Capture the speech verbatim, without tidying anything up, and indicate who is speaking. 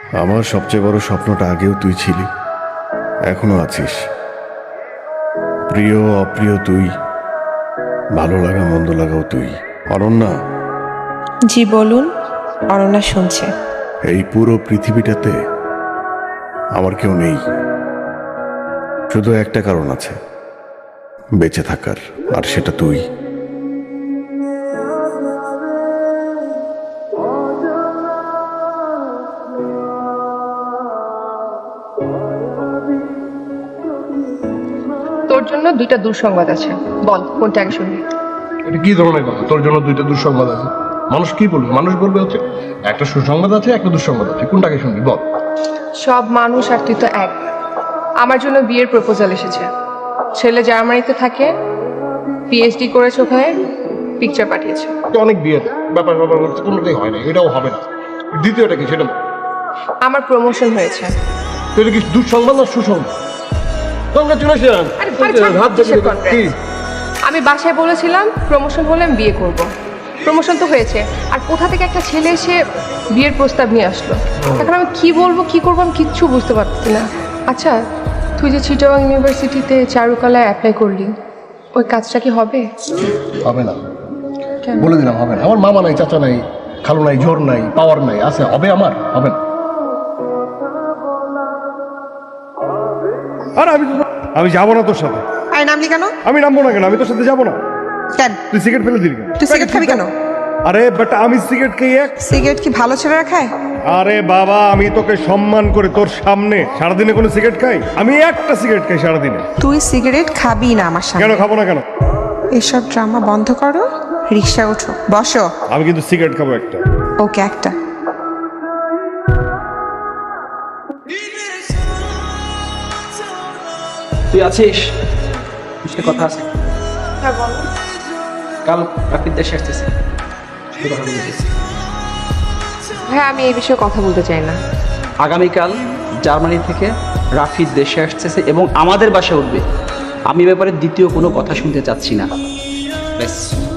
Speaker 1: আমার সবচেয়ে বড় স্বপ্নটা আগেও তুই ছিলি, এখনো আছিস। প্রিয় অপ্রিয় তুই, ভালো লাগা মন্দ লাগাও তুই। অনন্যা।
Speaker 2: জি বলুন। অনন্যা শুনছে।
Speaker 1: এই পুরো পৃথিবীটাতে আমার কেউ নেই, শুধু একটা কারণ আছে বেঁচে থাকার, আর সেটা তুই।
Speaker 3: তোর জন্য দুইটা দুঃসংবাদ আছে, বল কোনটা আগে শুনবি?
Speaker 4: এটা কি ধরনের কথা? তোর জন্য দুইটা দুঃসংবাদ আছে? মানুষ কি বলবে? মানুষ বলবে হচ্ছে একটা সুসংবাদ আছে, একটা দুঃসংবাদ আছে, কোনটাকে শুনবি বল।
Speaker 3: সব মানুষ আর তুই তো এক। আমার জন্য বিয়ের প্রপোজাল এসেছে। ছেলে জার্মানিতে থাকে, পিএইচডি করেছে, ওখানে পিকচার পাঠিয়েছে।
Speaker 4: অনেক বিয়ে ব্যাপার ব্যাপার করছে, কোনোটাই হয় না, এটাও হবে না। দ্বিতীয়টা কি সেটা?
Speaker 3: আমার প্রমোশন হয়েছে।
Speaker 4: তো এটা কি দুঃসংবাদ না সুসংবাদ? কংগ্রাচুলেশন।
Speaker 3: আরে, আরে ছাড়, কিসের congrats? আমি বাসায় বলেছিলাম প্রমোশন হলে আমি বিয়ে করব। প্রমোশন তো হয়েছে, আর কোথা থেকে একটা ছেলে এসে বিয়ের প্রস্তাব নিয়ে আসলো। এখন আমি কি বলবো কি করবো আমি কিচ্ছু বুঝতে পারছি না। আচ্ছা, তুই যে চিটাগাং ইউনিভার্সিটিতে চারুকলায় অ্যাপ্লাই করলি, ওই কাজটা কি হবে?
Speaker 4: হবে না,
Speaker 3: কেন?
Speaker 4: বলে দিলাম হবে না। আমার মামা নাই, চাচা নাই, খালু নাই, জোর নাই, পাওয়ার নাই, আছে হবে আমার হবে না।
Speaker 5: আর আমি আমি যাবো না তোর সাথে।
Speaker 2: আরে নামলি কেন?
Speaker 5: আমি নামবো না কেন? আমি তোর সাথে যাবো না।
Speaker 2: কেন?
Speaker 5: তুই সিগারেট ফেলে দিলি কেন?
Speaker 2: তুই সিগারেট খাবি কেন?
Speaker 5: আরে বাট আমি সিগারেট খেয়ে এক।
Speaker 2: সিগারেট কি ভালো ছেলেরা খায়?
Speaker 5: আরে বাবা, আমি তোকে সম্মান করে তোর সামনে সারাদিনে কোনো সিগারেট খাই? আমি একটা সিগারেট খাই সারাদিনে।
Speaker 2: তুই সিগারেট খাবি না আমার
Speaker 5: কেন
Speaker 2: সামনে।
Speaker 5: খাবো না কেন?
Speaker 2: এসব ড্রামা বন্ধ করো, রিক্সা ওঠো, বসো।
Speaker 5: আমি কিন্তু সিগারেট খাবো একটা।
Speaker 2: ওকে, একটা।
Speaker 6: তুই আছিস? সে কথা আছে।
Speaker 3: হ্যাঁ বলো।
Speaker 6: কাল রাফির দেশে আসতেছে, সে কথা বলতেছি।
Speaker 3: হ্যাঁ, আমি এই বিষয়ে কথা বলতে চাই না।
Speaker 6: আগামীকাল জার্মানি থেকে রাফির দেশে আসতেছে এবং আমাদের বাসায় উঠবে। আমি এ ব্যাপারে দ্বিতীয় কোনো কথা শুনতে চাচ্ছি না। ব্যাস।